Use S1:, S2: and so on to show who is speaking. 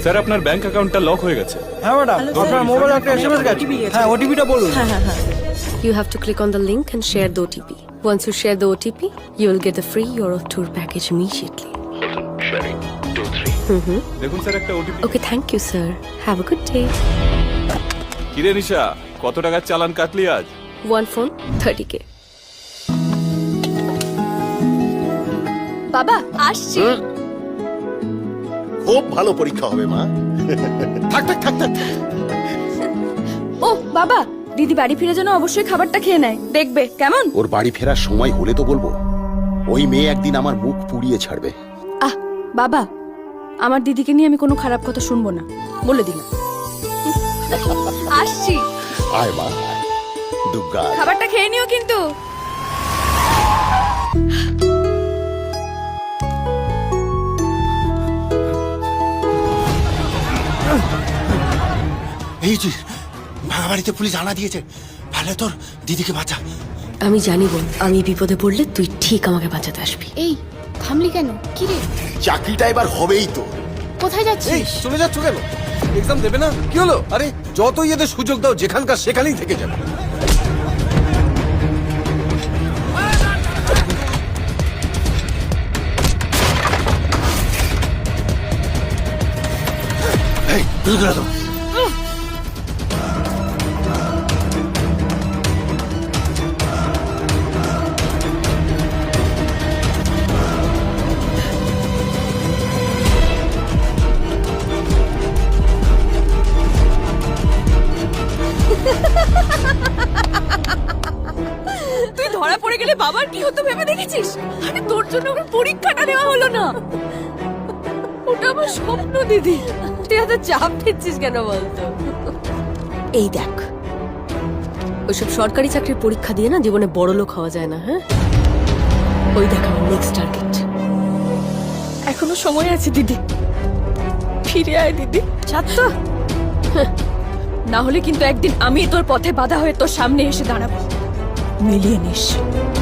S1: Sir আপনার bank অ্যাকাউন্টটা lock হয়ে গেছে।
S2: হ্যাঁ ম্যাডাম, আপনার মোবাইলে একটা এসএমএস গেছে। হ্যাঁ, ওটিপিটা বলুন।
S3: You have to click on the link and share the OTP. Once you share the OTP, you will get the free Europe tour package immediately.
S1: দেখুন স্যার একটা OTP.
S3: Okay, thank you, sir. Have a good day.
S1: কিরে নিশা, কত টাকার চালান কাটলি আজ?
S3: One phone, 30K.
S4: বাবা আসছি।
S5: খুব ভালো পরীক্ষা হবে মা। থাক থাক থাক থাক।
S4: ও বাবা, দিদি বাড়ি ফিরে যেন অবশ্যই খাবারটা খেয়ে নেয়, দেখবে কেমন?
S5: ওর বাড়ি ফেরার সময় হলে তো বলবো। ওই মেয়ে একদিন আমার মুখ পুড়িয়ে ছাড়বে।
S4: আহ বাবা, আমার দিদিকে নিয়ে আমি কোনো খারাপ কথা শুনবো না, বলে দিলাম। আসছি।
S5: আয় মা, দুর্গা।
S4: খাবারটা খেয়ে নিও কিন্তু।
S6: এই যে ভাঙা বাড়িতে পুলিশ আনা দিয়েছে, ভালো তোর দিদিকে বাঁচা।
S3: আমি জানি বোন, আমি বিপদে পড়লে তুই ঠিক আমাকে বাঁচাতে আসবি।
S7: এই থামলি কেন? কি রে,
S5: চাকরিটা এবার হবেই তো।
S7: কোথায় যাচ্ছিস?
S2: চলে যাচ্ছ কেন? এক্সাম দেবে না? কি হলো? আরে যতই এদের সুযোগ দাও, যেখানকার সেখানেই থেকে যাবে।
S6: এই দুর্গা তো
S4: তুই ধরা পড়ে গেলে বাবার কি হতো ভেবে দেখেছিস? আরে তোর জন্য আমার পরীক্ষাটা দেওয়া হলো না। ওটা আমার স্বপ্ন দিদি। তুই এত চাপ দিচ্ছিস কেন বলতো?
S3: এই দেখ, ওইসব সরকারি চাকরির পরীক্ষা দিয়ে না জীবনে বড় লোক হওয়া যায় না। হ্যাঁ, ওই দেখ আমার নেক্সট টার্গেট।
S4: এখনো সময় আছে দিদি, ফিরে আয় দিদি। ছাত্র না হলে কিন্তু একদিন আমি তোর পথে বাধা হয়ে তোর সামনে এসে দাঁড়াবো, মিলিয়ে নিস।